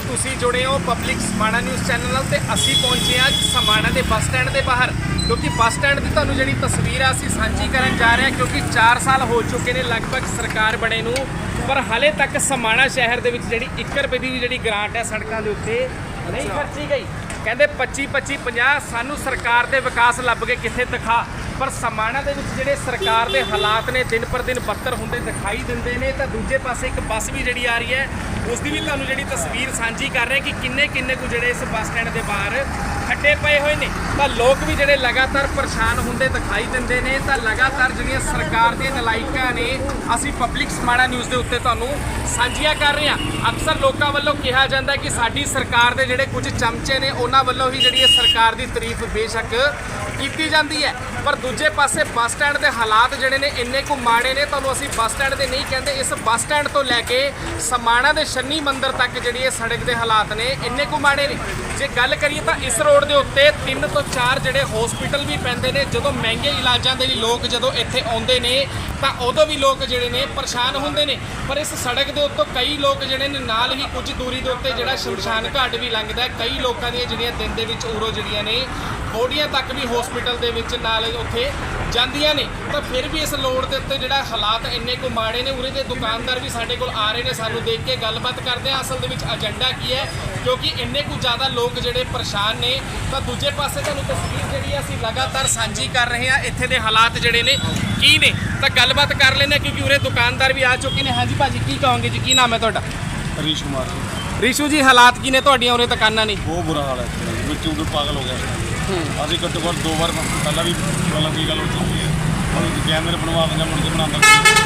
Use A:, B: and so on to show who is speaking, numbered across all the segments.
A: ਤੁਸੀਂ ਜੁੜੇ ਹੋ ਪਬਲਿਕ ਸਮਾਣਾ ਨਿਊਜ਼ ਚੈਨਲ ਨਾਲ ਤੇ ਅਸੀਂ ਪਹੁੰਚੇ ਹਾਂ ਸਮਾਣਾ ਦੇ ਬੱਸ ਸਟੈਂਡ ਦੇ ਬਾਹਰ ਕਿਉਂਕਿ ਬੱਸ ਸਟੈਂਡ ਦੀ ਤੁਹਾਨੂੰ ਜਿਹੜੀ ਤਸਵੀਰ ਆ ਅਸੀਂ ਸਾਂਝੀ ਕਰਨ ਜਾ ਰਹੇ ਹਾਂ ਕਿਉਂਕਿ 4 ਸਾਲ ਹੋ ਚੁੱਕੇ ਨੇ ਲਗਭਗ ਸਰਕਾਰ ਬਣੇ ਨੂੰ ਪਰ ਹਾਲੇ ਤੱਕ ਸਮਾਣਾ ਸ਼ਹਿਰ ਦੇ ਵਿੱਚ ਜਿਹੜੀ 1 ਰੁਪਏ ਦੀ ਵੀ ਜਿਹੜੀ ਗ੍ਰਾਂਟ ਹੈ ਸੜਕਾਂ ਦੇ ਉੱਤੇ ਨਹੀਂ ਖਰਚੀ ਗਈ। ਕਹਿੰਦੇ 25 50 ਸਾਨੂੰ ਸਰਕਾਰ ਦੇ ਵਿਕਾਸ ਲੱਭ ਕੇ ਕਿੱਥੇ ਦਿਖਾ ਪਰ ਸਮਾਣਾ ਦੇ ਵਿੱਚ ਜਿਹੜੇ ਸਰਕਾਰ ਦੇ ਹਾਲਾਤ ਨੇ ਦਿਨ ਪਰ ਦਿਨ ਬੱਤਰ ਹੁੰਦੇ ਦਿਖਾਈ ਦਿੰਦੇ ਨੇ। ਤਾਂ ਦੂਜੇ ਪਾਸੇ ਇੱਕ ਬੱਸ ਵੀ ਜਿਹੜੀ ਆ ਰਹੀ ਹੈ ਉਸ ਦੀ ਵੀ ਤੁਹਾਨੂੰ ਜਿਹੜੀ ਤਸਵੀਰ ਸਾਂਝੀ ਕਰ ਰਹੇ ਕਿ ਕਿੰਨੇ ਕੁ ਜਿਹੜੇ ਇਸ ਬੱਸ ਸਟੈਂਡ ਦੇ ਬਾਹਰ ਖੱਡੇ ਪਏ ਹੋਏ ਨੇ। ਤਾਂ ਲੋਕ ਵੀ ਜਿਹੜੇ ਲਗਾਤਾਰ ਪਰੇਸ਼ਾਨ ਹੁੰਦੇ ਦਿਖਾਈ ਦਿੰਦੇ ਨੇ। ਤਾਂ ਲਗਾਤਾਰ ਜਿਹੜੀਆਂ ਸਰਕਾਰ ਦੀਆਂ ਨਲਾਇਕਾਂ ਨੇ ਅਸੀਂ ਪਬਲਿਕ ਸਮਾਣਾ ਨਿਊਜ਼ ਦੇ ਉੱਤੇ ਤੁਹਾਨੂੰ ਸਾਂਝੀਆਂ ਕਰ ਰਹੇ ਹਾਂ। ਅਕਸਰ ਲੋਕਾਂ ਵੱਲੋਂ ਕਿਹਾ ਜਾਂਦਾ ਕਿ ਸਾਡੀ ਸਰਕਾਰ ਦੇ ਜਿਹੜੇ ਕੁਝ ਚਮਚੇ ਨੇ ਉਹਨਾਂ ਵੱਲੋਂ ਹੀ ਜਿਹੜੀ ਸਰਕਾਰ ਦੀ ਤਾਰੀਫ ਬੇਸ਼ੱਕ ਕੀਤੀ ਜਾਂਦੀ ਹੈ ਪਰ ਦੂਜੇ ਪਾਸੇ ਬੱਸ ਸਟੈਂਡ ਦੇ ਹਾਲਾਤ ਜਿਹੜੇ ਨੇ ਇੰਨੇ ਕੁ ਮਾੜੇ ਨੇ। ਤੁਹਾਨੂੰ ਅਸੀਂ ਬੱਸ ਸਟੈਂਡ ਦੇ ਨਹੀਂ ਕਹਿੰਦੇ, ਇਸ ਬੱਸ ਸਟੈਂਡ ਤੋਂ ਲੈ ਕੇ ਸਮਾਣਾ ਦੇ ਸ਼ਨੀ ਮੰਦਿਰ ਤੱਕ ਜਿਹੜੀ ਇਹ ਸੜਕ ਦੇ ਹਾਲਾਤ ਨੇ ਇੰਨੇ ਕੁ ਮਾੜੇ ਨੇ। ਜੇ ਗੱਲ ਕਰੀਏ ਤਾਂ ਇਸ ਰੋਡ ਦੇ ਉੱਤੇ 3 ਤੋਂ 4 ਜਿਹੜੇ ਹਸਪੀਟਲ ਵੀ ਪੈਂਦੇ ਨੇ। ਜਦੋਂ ਮਹਿੰਗੇ ਇਲਾਜਾਂ ਦੇ ਲਈ ਲੋਕ ਜਦੋਂ ਇੱਥੇ ਆਉਂਦੇ ਨੇ ਤਾਂ ਉਦੋਂ ਵੀ ਲੋਕ ਜਿਹੜੇ ਨੇ ਪਰੇਸ਼ਾਨ ਹੁੰਦੇ ਨੇ। ਪਰ ਇਸ ਸੜਕ ਦੇ ਉੱਤੋਂ ਕਈ ਲੋਕ ਜਿਹੜੇ ਨੇ ਨਾਲ ਹੀ ਕੁਝ ਦੂਰੀ ਦੇ ਉੱਤੇ ਜਿਹੜਾ ਸ਼ਮਸ਼ਾਨ ਘਾਟ ਵੀ ਲੰਘਦਾ। ਕਈ ਲੋਕਾਂ ਦੀਆਂ ਜਿਹੜੀਆਂ ਦਿਨ ਦੇ ਵਿੱਚ ਉਰੋ ਜਿਹੜੀਆਂ ਨੇ ਬੋਡੀਆਂ ਤੱਕ ਵੀ ਹਸਪੀਟਲ ਦੇ ਵਿੱਚ ਨਾਲ ਉੱਥੇ ਜਾਂਦੀਆਂ ਨੇ। ਤਾਂ ਫਿਰ ਵੀ ਇਸ ਰੋਡ ਦੇ ਉੱਤੇ ਜਿਹੜਾ ਹਾਲਾਤ ਇੰਨੇ ਕੁ ਮਾੜੇ ਨੇ। ਉਰੇ ਦੇ ਦੁਕਾਨਦਾਰ ਵੀ ਸਾਡੇ ਕੋਲ ਆ ਰਹੇ ਨੇ, ਸਾਨੂੰ ਦੇਖ ਕੇ ਗੱਲਬਾਤ ਕਰਦੇ ਆ ਅਸਲ ਦੇ ਵਿੱਚ ਏਜੰਡਾ ਕੀ ਹੈ ਕਿਉਂਕਿ ਇੰਨੇ ਕੁ ਜ਼ਿਆਦਾ ਲੋਕ ਜਿਹੜੇ ਪਰੇਸ਼ਾਨ ਨੇ। ਤਾਂ ਦੂਜੇ ਪਾਸੇ ਤੁਹਾਨੂੰ ਤਸਵੀਰ ਜਿਹੜੀ ਅਸੀਂ ਲਗਾਤਾਰ ਸਾਂਝੀ ਕਰ ਰਹੇ ਹਾਂ ਇੱਥੇ ਦੇ ਹਾਲਾਤ ਜਿਹੜੇ ਨੇ ਕੀ ਨੇ। ਤਾਂ ਗੱਲਬਾਤ ਕਰ ਲੈਂਦੇ ਕਿਉਂਕਿ ਉਰੇ ਦੁਕਾਨਦਾਰ ਵੀ ਆ ਚੁੱਕੇ ਨੇ। ਹਾਂਜੀ ਭਾਜੀ ਕੀ ਕਹੋਗੇ ਜੀ, ਕੀ ਨਾਮ ਹੈ ਤੁਹਾਡਾ?
B: ਹਰੀਸ਼ ਕੁਮਾਰ ਜੀ।
A: ਰੀਸ਼ੂ ਜੀ ਹਾਲਾਤ ਕੀ ਨੇ ਤੁਹਾਡੀਆਂ ਉਰੇ ਦੁਕਾਨਾਂ ਨੇ?
B: ਬਹੁਤ ਬੁਰਾ ਹਾਲ ਹੈ, ਵਿੱਚੋਂ ਵੀ ਪਾਗਲ ਹੋ ਗਿਆ। ਅਸੀਂ ਘੱਟੋ ਘੱਟ 2 ਵਾਰ ਪਹਿਲਾਂ ਵੀ ਮਤਲਬ ਕੀ ਗੱਲ ਹੋ ਚੁੱਕੀ ਹੈ। ਹੁਣ ਕੈਮਰੇ ਬਣਵਾ ਦਿੰਦੇ ਮੁੜ ਕੇ ਬਣਾਉਂਦਾ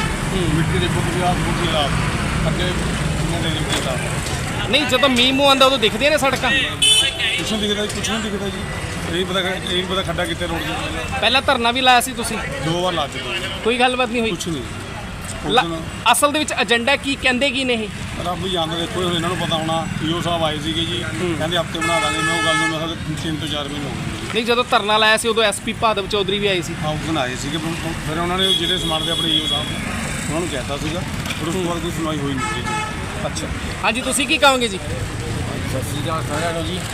B: ਮਿੱਟੀ ਦੇਖੋ ਤੁਸੀਂ ਆਪ ਬੁੱਢੀ ਹਾਲਾਤ ਅੱਗੇ ਕਿੰਨੇ ਦੇ ਲਿਖੇ ਤਾਂ
A: ਨਹੀਂ ਜਦੋਂ ਮੀਂਹ ਮੂੰਹ ਆਉਂਦਾ ਉਦੋਂ ਦਿਖਦੀਆਂ ਨੇ ਸੜਕਾਂ?
B: ਕੁਛ ਨਹੀਂ ਦਿਖਦਾ ਜੀ, ਕੁਛ ਨਹੀਂ ਦਿਖਦਾ ਜੀ। ਇਹ ਪਤਾ ਖੱਡਾ ਕਿੱਥੇ ਰੋਡ ਦੇ।
A: ਪਹਿਲਾਂ ਧਰਨਾ ਵੀ ਲਾਇਆ ਸੀ ਤੁਸੀਂ?
B: 2 ਵਾਰ ਲਾ ਚੁੱਕੇ,
A: ਕੋਈ ਗੱਲਬਾਤ ਨਹੀਂ ਹੋਈ?
B: ਕੁਛ ਨਹੀਂ।
A: ਅਸਲ ਦੇ ਵਿੱਚ ਏਜੰਡਾ ਕੀ ਕਹਿੰਦੇ ਕੀ ਨੇ ਇਹ?
B: ਰੱਬ ਹੀ ਜਾਣਦਾ, ਦੇਖੋ ਹੁਣ ਇਹਨਾਂ ਨੂੰ ਪਤਾ ਹੋਣਾ। ਈਓ ਸਾਹਿਬ ਆਏ ਸੀਗੇ ਜੀ, ਕਹਿੰਦੇ ਹਫ਼ਤੇ ਬਣਾ ਦਾਂਗੇ। ਮੈਂ ਉਹ ਗੱਲ ਨੂੰ ਮੈਂ ਕਿਹਾ 3 ਤੋਂ 4 ਮਹੀਨੇ ਹੋ ਗਏ।
A: ਨਹੀਂ ਜਦੋਂ ਧਰਨਾ ਲਾਇਆ ਸੀ ਉਦੋਂ ਐਸਪੀ ਭਾਦਵ ਚੌਧਰੀ ਵੀ ਆਏ ਸੀ।
B: ਹਾਂ ਉਸ ਦਿਨ ਆਏ ਸੀਗੇ, ਫਿਰ ਉਹਨਾਂ ਨੇ ਜਿਹੜੇ ਸਮਾਨ ਦੇ ਆਪਣੇ ਈਓ ਸਾਹਿਬ ਉਹਨਾਂ ਨੂੰ ਕਹਿਤਾ ਸੀਗਾ, ਫਿਰ ਉਸ ਤੋਂ ਬਾਅਦ ਕੋਈ ਸੁਣਵਾਈ ਹੋਈ ਨਹੀਂ ਜੀ।
A: ਅੱਛਾ ਹਾਂਜੀ ਤੁਸੀਂ ਕੀ ਕਹੋਗੇ ਜੀ?
C: ਸਤਿ ਸ਼੍ਰੀ ਅਕਾਲ ਸਾਰਿਆਂ ਨੂੰ ਜੀ।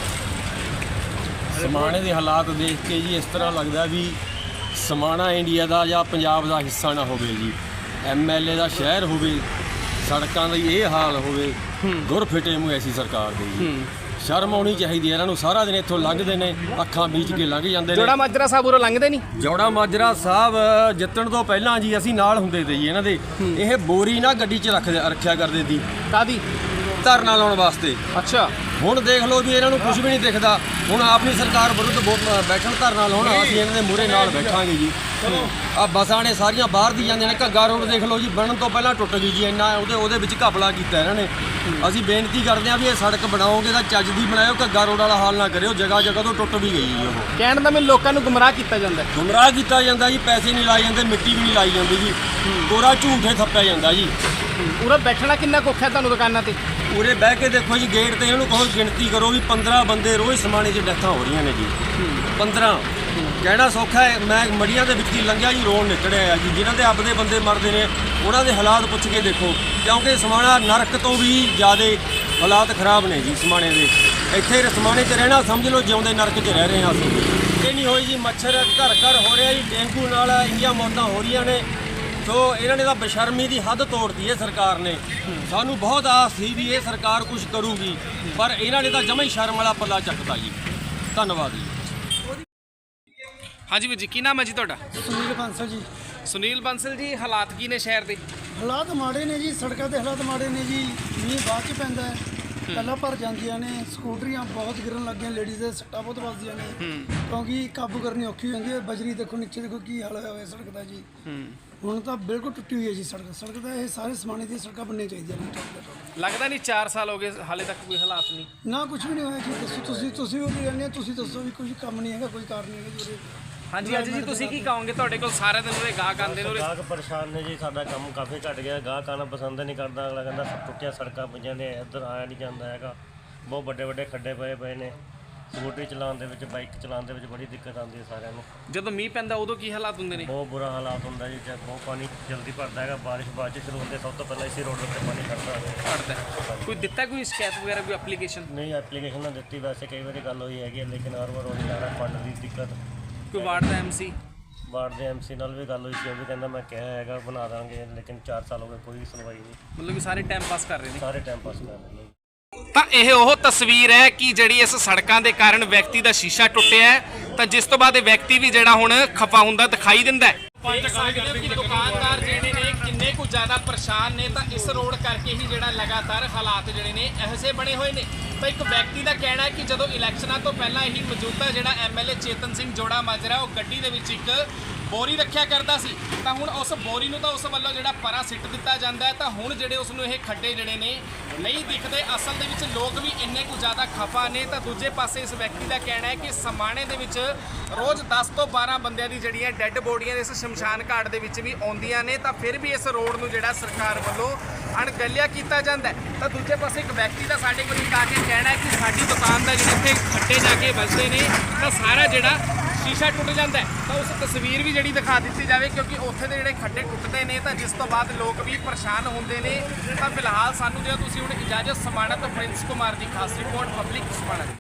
C: ਸਮਾਣੇ ਦੇ ਹਾਲਾਤ ਦੇਖ ਕੇ ਜੀ ਇਸ ਤਰ੍ਹਾਂ ਲੱਗਦਾ ਵੀ ਸਮਾਣਾ ਇੰਡੀਆ ਦਾ ਜਾਂ ਪੰਜਾਬ ਦਾ ਹਿੱਸਾ ਨਾ ਹੋਵੇ ਜੀ। MLA ਦਾ ਸ਼ਹਿਰ ਹੋਵੇ, ਸੜਕਾਂ ਦਾ ਇਹ ਹਾਲ ਹੋਵੇ। ਦੁਰ ਫਿਟੇ ਮੂੰਹ ਐਸੀ ਸਰਕਾਰ ਦੇ ਜੀ। ਸ਼ਰਮ ਆਉਣੀ ਚਾਹੀਦੀ ਹੈ ਇਹਨਾਂ ਨੂੰ। ਸਾਰਾ ਦਿਨ ਇੱਥੋਂ ਲੰਘਦੇ ਨੇ, ਅੱਖਾਂ ਬੀਚ ਕੇ ਲੰਘ ਜਾਂਦੇ ਨੇ।
A: ਜੋੜਾ ਮਾਜਰਾ ਸਾਹਿਬ ਉਰੋਂ ਲੰਘਦੇ ਨਹੀਂ?
C: ਜੋੜਾ ਮਾਜਰਾ ਸਾਹਿਬ ਜਿੱਤਣ ਤੋਂ ਪਹਿਲਾਂ ਜੀ ਅਸੀਂ ਨਾਲ ਹੁੰਦੇ ਤੇ ਜੀ ਇਹਨਾਂ ਦੇ। ਇਹ ਬੋਰੀ ਨਾ ਗੱਡੀ 'ਚ ਰੱਖਿਆ ਕਰਦੇ ਸੀ।
A: ਕਾਦੀ?
C: ਧਰਨਾ ਲਾਉਣ ਵਾਸਤੇ।
A: ਅੱਛਾ
C: ਹੁਣ ਦੇਖ ਲਓ ਵੀ ਇਹਨਾਂ ਨੂੰ ਕੁਝ ਵੀ ਨਹੀਂ ਦਿਖਦਾ। ਹੁਣ ਆਪਣੀ ਸਰਕਾਰ ਵਿਰੁੱਧ ਬੈਠਣ ਧਰਨਾ ਲਾਉਣਾ, ਅਸੀਂ ਇਹਨਾਂ ਦੇ ਮੂਹਰੇ ਨਾਲ ਬੈਠਾਂਗੇ ਜੀ। ਆ ਬੱਸਾਂ ਨੇ ਸਾਰੀਆਂ ਬਾਹਰ ਦੀ ਜਾਂਦੀਆਂ ਨੇ। ਘੱਗਾ ਰੋਡ ਦੇਖ ਲਓ ਜੀ, ਬਣਨ ਤੋਂ ਪਹਿਲਾਂ ਟੁੱਟ ਗਈ ਜੀ। ਇੰਨਾ ਉਹਦੇ ਵਿੱਚ ਘਪਲਾ ਕੀਤਾ ਇਹਨਾਂ ਨੇ। ਅਸੀਂ ਬੇਨਤੀ ਕਰਦੇ ਹਾਂ ਵੀ ਇਹ ਸੜਕ ਬਣਾਓਗੇ ਤਾਂ ਚੱਜ ਦੀ ਬਣਾਇਓ, ਘੱਗਾ ਰੋਡ ਵਾਲਾ ਹਾਲ ਨਾ ਕਰਿਓ। ਜਗ੍ਹਾ ਤੋਂ ਟੁੱਟ ਵੀ ਗਈ ਜੀ ਉਹ।
A: ਕਹਿਣ ਦਾ ਮੈਨੂੰ ਲੋਕਾਂ ਨੂੰ ਗੁੰਮਰਾਹ ਕੀਤਾ ਜਾਂਦਾ।
C: ਗੁੰਮਰਾਹ ਕੀਤਾ ਜਾਂਦਾ ਜੀ, ਪੈਸੇ ਨਹੀਂ ਲਾਏ ਜਾਂਦੇ, ਮਿੱਟੀ ਵੀ ਨਹੀਂ ਲਾਈ ਜਾਂਦੀ ਜੀ। ਕੋਰਾ ਝੂਠੇ ਥੱਪਿਆ ਜਾਂਦਾ ਜੀ।
A: ਉਰੇ ਬੈਠਣਾ ਕਿੰਨਾ ਕੁ ਔਖਾ ਤੁਹਾਨੂੰ ਦੁਕਾਨਾਂ ਤੇ?
C: ਉਰੇ ਬਹਿ ਕੇ ਦੇਖੋ ਜੀ, ਗੇਟ ਤੇ ਇਹਨੂੰ ਕਹੋ ਗਿਣਤੀ ਕਰੋ ਵੀ 15 ਬੰਦੇ ਰੋਜ਼ ਸਮਾਣੇ 'ਚ ਡੈਥਾਂ ਹੋ ਰਹੀਆਂ ਨੇ ਜੀ। 15 ਕਹਿਣਾ ਸੌਖਾ ਹੈ। ਮੈਂ ਮੜੀਆਂ ਦੇ ਵਿੱਚ ਹੀ ਲੰਘਿਆ ਜੀ, ਰੋਣ ਨਿਕਲਿਆ ਆ ਜੀ। ਜਿਨ੍ਹਾਂ ਦੇ ਆਪਦੇ ਬੰਦੇ ਮਰਦੇ ਨੇ ਉਹਨਾਂ ਦੇ ਹਾਲਾਤ ਪੁੱਛ ਕੇ ਦੇਖੋ, ਕਿਉਂਕਿ ਸਮਾਣਾ ਨਰਕ ਤੋਂ ਵੀ ਜ਼ਿਆਦਾ ਹਾਲਾਤ ਖਰਾਬ ਨੇ ਜੀ ਸਮਾਣੇ ਦੇ। ਇੱਥੇ ਸਮਾਣੇ 'ਚ ਰਹਿਣਾ ਸਮਝ ਲਓ ਜਿਉਂਦੇ ਨਰਕ 'ਚ ਰਹਿ ਰਹੇ ਹਾਂ ਅਸੀਂ। ਇਹ ਨਹੀਂ ਹੋਈ ਜੀ, ਮੱਛਰ ਘਰ ਹੋ ਰਿਹਾ ਜੀ। ਡੇਂਗੂ ਨਾਲ ਇੰਨੀਆਂ ਮੌਤਾਂ ਹੋ ਰਹੀਆਂ ਨੇ। ਸੋ ਇਹਨਾਂ ਨੇ ਤਾਂ ਬੇਸ਼ਰਮੀ ਦੀ ਹੱਦ ਤੋੜਤੀ ਹੈ ਸਰਕਾਰ ਨੇ। ਸਾਨੂੰ ਬਹੁਤ ਆਸ ਸੀ ਵੀ ਇਹ ਸਰਕਾਰ ਕੁਝ ਕਰੂਗੀ, ਪਰ ਇਹਨਾਂ ਨੇ ਤਾਂ ਜਮਾਂ ਹੀ ਸ਼ਰਮ ਵਾਲਾ ਪੱਲਾ ਚੱਕਦਾ ਜੀ। ਧੰਨਵਾਦ ਜੀ।
A: ਹਾਂਜੀ ਵੀਰ ਜੀ ਕੀ ਨਾਮ ਹੈ ਜੀ ਤੁਹਾਡਾ?
D: ਸੁਨੀਲ ਬਾਂਸਲ ਜੀ।
A: ਸੁਨੀਲ ਬੰਸਲ ਜੀ ਹਾਲਾਤ ਕੀ ਨੇ ਸ਼ਹਿਰ ਦੇ?
D: ਹਾਲਾਤ ਮਾੜੇ ਨੇ ਜੀ, ਸੜਕਾਂ ਦੇ ਹਾਲਾਤ ਮਾੜੇ ਨੇ ਜੀ। ਮੀਂਹ ਬਾਅਦ ਚ ਪੈਂਦਾ ਹੈ, ਪਹਿਲਾਂ ਭਰ ਜਾਂਦੀਆਂ ਨੇ। ਸਕੂਟਰੀਆਂ ਬਹੁਤ ਗਿਰਨ ਲੱਗ ਗਈਆਂ, ਲੇਡੀਜ਼ ਦੇ ਸੱਟਾਂ ਬਹੁਤ ਵੱਜਦੀਆਂ ਨੇ ਕਿਉਂਕਿ ਕਾਬੂ ਕਰਨੀ ਔਖੀ ਹੁੰਦੀ ਹੈ। ਬਜਰੀ ਦੇਖੋ ਨੀਚੇ, ਦੇਖੋ ਕੀ ਹਾਲ ਹੋਇਆ ਸੜਕ ਦਾ ਜੀ। ਹੁਣ ਤਾਂ ਬਿਲਕੁਲ ਟੁੱਟੀ ਹੋਈ ਹੈ ਜੀ ਸੜਕ ਦਾ। ਇਹ ਸਾਰੇ ਸਮਾਣੇ ਦੀਆਂ ਸੜਕਾਂ ਬਣਨੀਆਂ ਚਾਹੀਦੀਆਂ ਨੇ।
A: ਲੱਗਦਾ ਨਹੀਂ 4 ਸਾਲ ਹੋ ਗਏ ਹਾਲੇ ਤੱਕ ਕੋਈ ਹਾਲਾਤ ਨਹੀਂ?
D: ਨਾ ਕੁਝ ਵੀ ਨਹੀਂ ਹੋਇਆ ਜੀ। ਦੱਸੋ ਤੁਸੀਂ ਵੀ ਰਹਿੰਦੇ, ਤੁਸੀਂ ਦੱਸੋ ਵੀ ਕੋਈ ਕੰਮ ਨਹੀਂ ਹੈਗਾ, ਕੋਈ ਕਾਰਨ ਨਹੀਂ ਹੈਗਾ ਜੀ।
A: ਹਾਂਜੀ ਅੱਜ ਜੀ ਤੁਸੀਂ ਕੀ ਕਹੋਗੇ? ਤੁਹਾਡੇ ਕੋਲ ਸਾਰੇ ਦਿਨ ਉਰੇ ਗਾਹਕ ਆਉਂਦੇ ਨੇ?
E: ਗਾਹਕ ਪਰੇਸ਼ਾਨ ਨੇ ਜੀ। ਸਾਡਾ ਕੰਮ ਕਾਫੀ ਘਟ ਗਿਆ। ਗਾਹਕ ਆਉਣਾ ਪਸੰਦ ਨਹੀਂ ਕਰਦਾ। ਅਗਲਾ ਕਹਿੰਦਾ ਟੁੱਟੀਆਂ ਸੜਕਾਂ ਪਈਆਂ ਨੇ, ਇੱਧਰ ਆਇਆ ਨਹੀਂ ਜਾਂਦਾ ਹੈਗਾ। ਬਹੁਤ ਵੱਡੇ ਖੱਡੇ ਪਏ ਨੇ। ਸਕੂਟਰੀ ਚਲਾਉਣ ਦੇ ਵਿੱਚ, ਬਾਈਕ ਚਲਾਉਣ ਦੇ ਵਿੱਚ ਬੜੀ ਦਿੱਕਤ ਆਉਂਦੀ ਹੈ ਸਾਰਿਆਂ ਨੂੰ।
A: ਜਦੋਂ ਮੀਂਹ ਪੈਂਦਾ ਉਦੋਂ ਕੀ ਹਾਲਾਤ ਹੁੰਦੇ ਨੇ?
E: ਬਹੁਤ ਬੁਰਾ ਹਾਲਾਤ ਹੁੰਦਾ ਜੀ, ਜਦ ਬਹੁਤ ਪਾਣੀ ਜਲਦੀ ਭਰਦਾ ਹੈਗਾ। ਬਾਰਿਸ਼ ਬਾਅਦ 'ਚ ਸ਼ੁਰੂ ਹੁੰਦੇ, ਸਭ ਤੋਂ ਪਹਿਲਾਂ ਇਸੇ ਰੋਡ ਉੱਤੇ ਪਾਣੀ ਖੜਦਾ ਹੈ।
A: ਪੜਦਾ ਕੋਈ ਦਿੱਤਾ ਕੋਈ ਸ਼ਿਕਾਇਤ ਵਗੈਰਾ ਕੋਈ ਐਪਲੀਕੇਸ਼ਨ?
E: ਨਹੀਂ, ਐਪਲੀਕੇਸ਼ਨ ਨਾ ਦਿੱਤੀ, ਵੈਸੇ ਕਈ ਵਾਰੀ ਗੱਲ ਹੋਈ ਹੈਗੀ ਹੈ, ਲੇਕਿਨ ਹਰ ਵਾਰ ਉਹੀ ਜਾਣਾ ਫੰਡ ਦੀ ਦਿੱਕਤ।
A: ਕੋਈ ਵਾਰਡ ਦਾ ਐਮਸੀ?
E: ਵਾਰਡ ਦੇ ਐਮਸੀ ਨਾਲ ਵੀ ਗੱਲ ਹੋਈ ਸੀ, ਉਹ ਵੀ ਕਹਿੰਦਾ ਮੈਂ ਕਿਹਾ ਹੈਗਾ ਬਣਾ ਦਾਂਗੇ, ਲੇਕਿਨ 4 ਸਾਲ ਹੋ ਗਏ ਕੋਈ ਸੁਣਵਾਈ ਨਹੀਂ।
A: ਮਤਲਬ ਕਿ ਸਾਰੇ ਟਾਈਮ ਪਾਸ ਕਰ ਰਹੇ ਨੇ।
E: ਸਾਰੇ ਟਾਈਮ ਪਾਸ ਕਰ ਰਹੇ ਨੇ।
A: ਤਾਂ ਇਹ ਉਹ ਤਸਵੀਰ ਹੈ ਕਿ ਜਿਹੜੀ ਇਸ ਸੜਕਾਂ ਦੇ ਕਾਰਨ ਵਿਅਕਤੀ ਦਾ ਸ਼ੀਸ਼ਾ ਟੁੱਟਿਆ ਹੈ, ਤਾਂ ਜਿਸ ਤੋਂ ਬਾਅਦ ਇਹ ਵਿਅਕਤੀ ਵੀ ਜਿਹੜਾ ਹੁਣ ਖਫਾ ਹੁੰਦਾ ਦਿਖਾਈ ਦਿੰਦਾ ਹੈ। ਦੇਖ ਸਕਦੇ ਹੋ ਕਿ ਦੁਕਾਨਦਾਰ ਜਿਹੜੇ ਨੇ ਕਿੰਨੇ ਕੁ ਜ਼ਿਆਦਾ ਪਰੇਸ਼ਾਨ ਨੇ, ਤਾਂ ਇਸ ਰੋਡ ਕਰਕੇ ਹੀ ਜਿਹੜਾ ਲਗਾਤਾਰ ਹਾਲਾਤ ਜਿਹੜੇ ਨੇ ਇਹੋ ਜਿਹੇ ਬਣੇ ਹੋਏ ਨੇ। ਤਾਂ ਇੱਕ ਵਿਅਕਤੀ ਦਾ ਕਹਿਣਾ ਹੈ ਕਿ ਜਦੋਂ ਇਲੈਕਸ਼ਨਾਂ ਤੋਂ ਪਹਿਲਾਂ ਹੀ ਮੌਜੂਦਾ ਜਿਹੜਾ ਐਮਐਲਏ ਚੇਤਨ ਸਿੰਘ ਜੋੜਾ ਮਾਜਰਾ ਉਹ ਗੱਡੀ ਦੇ ਵਿੱਚ ਇੱਕ ਬੋਰੀ ਰੱਖਿਆ ਕਰਦਾ ਸੀ, ਤਾਂ ਹੁਣ ਉਸ ਬੋਰੀ ਨੂੰ ਤਾਂ ਉਸ ਵੱਲੋਂ ਜਿਹੜਾ ਪਰਾ ਸਿੱਟ ਦਿੱਤਾ ਜਾਂਦਾ ਹੈ, ਤਾਂ ਹੁਣ ਜਿਹੜੇ ਉਸ ਨੂੰ ਇਹ ਖੱਡੇ ਜਿਹੜੇ ਨੇ ਨਹੀਂ ਦਿਖਦੇ। ਅਸਲ ਦੇ ਵਿੱਚ ਲੋਕ ਵੀ ਇੰਨੇ ਕੁ ਜ਼ਿਆਦਾ ਖਫਾ ਨੇ। ਤਾਂ ਦੂਜੇ ਪਾਸੇ ਇਸ ਵਿਅਕਤੀ ਦਾ ਕਹਿਣਾ ਹੈ ਕਿ ਸਮਾਣੇ ਦੇ ਵਿੱਚ ਰੋਜ਼ 10 ਤੋਂ 12 ਬੰਦਿਆਂ ਦੀ ਜਿਹੜੀਆਂ ਡੈੱਡ ਬੋਡੀਆਂ ਇਸ ਸ਼ਮਸ਼ਾਨ ਘਾਟ ਦੇ ਵਿੱਚ ਵੀ ਆਉਂਦੀਆਂ ਨੇ, ਤਾਂ ਫਿਰ ਵੀ ਇਸ ਰੋਡ ਨੂੰ ਜਿਹੜਾ ਸਰਕਾਰ ਵੱਲੋਂ ਅਣਗਹਿਲਿਆ ਕੀਤਾ ਜਾਂਦਾ ਹੈ। ਤਾਂ ਦੂਜੇ ਪਾਸੇ ਇੱਕ ਵਿਅਕਤੀ ਦਾ ਸਾਡੇ ਕੋਲ ਆ ਕੇ ਕਹਿਣਾ ਹੈ ਕਿ ਸਾਡੀ ਦੁਕਾਨ ਦਾ ਜਿਹੜੇ ਇੱਥੇ ਖੱਡੇ ਜਾ ਕੇ ਵੱਜਦੇ ਨੇ ਤਾਂ ਸਾਰਾ ਜਿਹੜਾ ਸ਼ੀਸ਼ਾ ਟੁੱਟ ਜਾਂਦਾ ਹੈ। ਤਾਂ ਉਸ ਤਸਵੀਰ ਵੀ ਜਿਹੜੀ ਦਿਖਾ ਦਿੱਤੀ ਜਾਵੇ, ਕਿਉਂਕਿ ਉੱਥੇ ਦੇ ਜਿਹੜੇ ਖੱਡੇ ਟੁੱਟਦੇ ਨੇ ਤਾਂ ਜਿਸ ਤੋਂ ਬਾਅਦ ਲੋਕ ਵੀ ਪਰੇਸ਼ਾਨ ਹੁੰਦੇ ਨੇ। ਤਾਂ ਫਿਲਹਾਲ ਸਾਨੂੰ ਜਿਹੜਾ ਤੁਸੀਂ ਹੁਣ ਇਜਾਜ਼ਤ, ਸਮਾਣਾ ਤੋਂ ਪ੍ਰਿੰਸ ਕੁਮਾਰ ਦੀ ਖਾਸ ਰਿਪੋਰਟ, ਪਬਲਿਕ ਸਮਾਣਾ।